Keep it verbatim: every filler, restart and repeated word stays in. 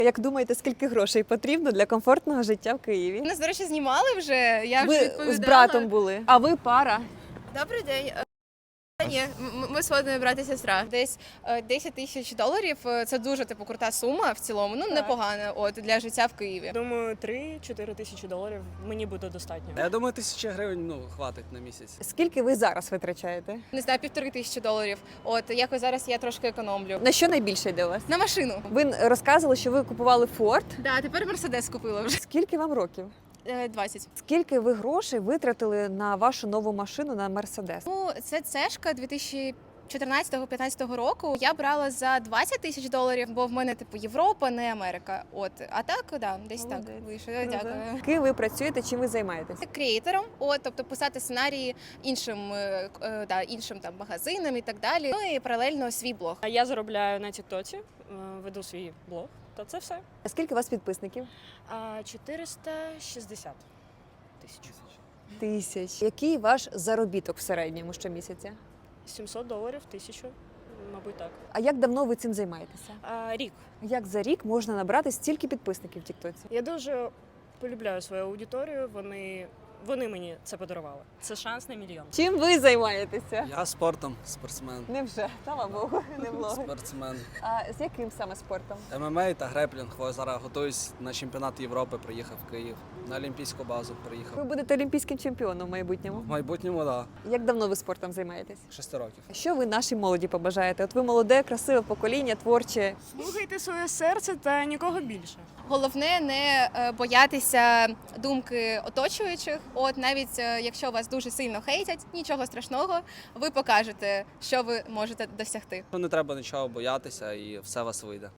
Як думаєте, скільки грошей потрібно для комфортного життя в Києві? Нас, до речі, знімали вже, я вже Ви відповідала. з братом були, а ви пара. Добрий день. Е, Ні, м- ми сводний брат і сестра. Десь е, десять тисяч доларів – це дуже типу крута сума в цілому, ну непогана от для життя в Києві. Думаю, три-чотири тисячі доларів мені буде достатньо. Я думаю, тисяча гривень ну, хватить на місяць. Скільки ви зараз витрачаєте? Не знаю, півтори тисячі доларів. От якось зараз я трошки економлю. На що найбільше йде у вас? На машину. Ви розказували, що ви купували Форд. Да, тепер Мерседес купила вже. Скільки вам років? Е, двадцять. Скільки ви грошей витратили на вашу нову машину, на Мерседес? Ну, це цешка дві тисячі чотирнадцятого-п'ятнадцятого року. Я брала за двадцять тисяч доларів, бо в мене типу Європа, не Америка. От, а так, да, десь Молодець. так вийшло. Круто. Дякую. Ким ви працюєте, чим ви займаєтесь? Креатором, от, тобто писати сценарії іншим, е, е, да, іншим там магазинам і так далі. Ну і паралельно свій блог. А я заробляю на Тіктоці, е, веду свій блог. Та це все. А скільки у вас підписників? А чотириста шістдесят тисяч. Тисяч. Який ваш заробіток в середньому щомісяця? сімсот доларів, тисячу, мабуть, так. А як давно ви цим займаєтеся? А, рік. Як за рік можна набрати стільки підписників в Тіктоці? Я дуже полюбляю свою аудиторію, вони, вони мені це подарували. Це шанс на мільйон. Чим ви займаєтеся? Я спортом, спортсмен. Невже, слава Богу, не влоги. Спортсмен. А з яким саме спортом? ем ем а та греплінг. Ось зараз готуюсь на чемпіонат Європи, приїхав в Київ. На Олімпійську базу Ви приїхав. будете олімпійським чемпіоном в майбутньому. В майбутньому, так. Як давно ви спортом займаєтесь? Шести років. Що ви нашій молоді побажаєте? От ви молоде, красиве покоління, творче. Слухайте своє серце та нікого більше. Головне не е, боятися думки оточуючих. От навіть е, якщо вас дуже сильно хейтять, нічого страшного, ви покажете, що ви можете досягти. Не треба нічого боятися і все у вас вийде.